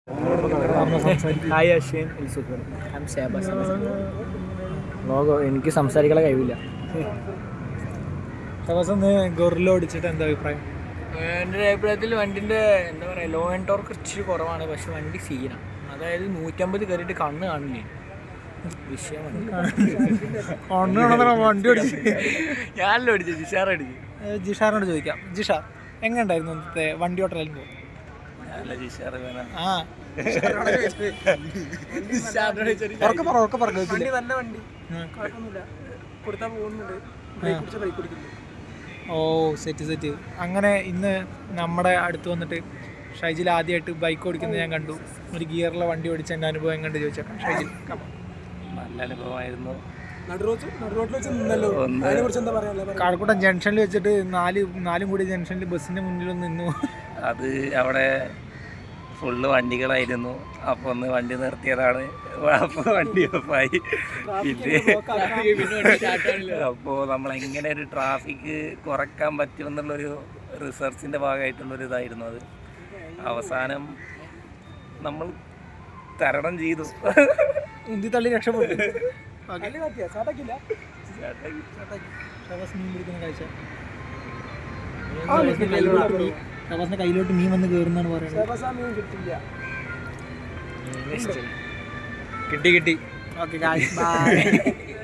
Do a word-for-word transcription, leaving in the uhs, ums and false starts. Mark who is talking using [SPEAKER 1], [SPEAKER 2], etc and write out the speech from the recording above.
[SPEAKER 1] Hi Ashwin logo എനിക്ക് സംസാരിക്കാൻ കഴിയില്ല.
[SPEAKER 2] ഗൊറില്ല ഓടിച്ചിട്ട് എന്താ അഭിപ്രായം?
[SPEAKER 1] എൻ്റെ അഭിപ്രായത്തിൽ വണ്ടിൻ്റെ എന്താ പറയുക ലോ ആൻഡ് ടോർക്ക് ഇച്ചിരി കുറവാണ്, പക്ഷെ വണ്ടി സീനാണ്. അതായത് നൂറ്റമ്പത് കയറിയിട്ട് കണ്ണ് കാണില്ലേ വിഷയമാണ്.
[SPEAKER 2] വണ്ടി ഓടിച്ച്
[SPEAKER 1] ഞാനല്ലോ അടിച്ചു ജിഷാർ അടിച്ചു.
[SPEAKER 2] ജിഷാറിനോട് ചോദിക്കാം. ജിഷാർ എങ്ങനെ ഉണ്ടായിരുന്നു ഇന്നത്തെ വണ്ടി ഓട്ടലായിരുന്നു? ആ ഓ സെറ്റ് സെറ്റ്. അങ്ങനെ ഇന്ന് നമ്മുടെ അടുത്ത് വന്നിട്ട് ഷൈജിൽ ആദ്യമായിട്ട് ബൈക്ക് ഓടിക്കുന്നത് ഞാൻ കണ്ടു. ഒരു ഗിയറിലെ വണ്ടി ഓടിച്ച എൻ്റെ അനുഭവം എങ്ങനെ ചോദിച്ചേക്കാം ഷൈജിൽ.
[SPEAKER 3] നല്ല അനുഭവമായിരുന്നു.
[SPEAKER 2] കാഴക്കൂട്ടം ജംഗ്ഷനിൽ വെച്ചിട്ട് നാല് നാലും കൂടി ജംഗ്ഷനിൽ ബസ്സിന്റെ മുന്നിൽ ഒന്ന് നിന്നു.
[SPEAKER 3] അത് അവിടെ ഫുള്ള് വണ്ടികളായിരുന്നു. അപ്പോൾ ഒന്ന് വണ്ടി നിർത്തിയതാണ്. അപ്പോൾ വണ്ടി ഓഫായി. പിന്നെ അപ്പോൾ നമ്മളെങ്ങനെ ഒരു ട്രാഫിക് കുറയ്ക്കാൻ പറ്റുമെന്നുള്ളൊരു റിസർച്ചിൻ്റെ ഭാഗമായിട്ടുള്ളൊരു ഇതായിരുന്നു അത്. അവസാനം നമ്മൾ തരണം ചെയ്തു.
[SPEAKER 2] ഉന്തി തള്ളി രക്ഷപ്പെട്ടു. ഷബാസിന്റെ കയ്യിലോട്ട് മീൻ വന്ന് കയറുന്നാണ് പറയുന്നത്. കിട്ടി കിട്ടി. Okay by.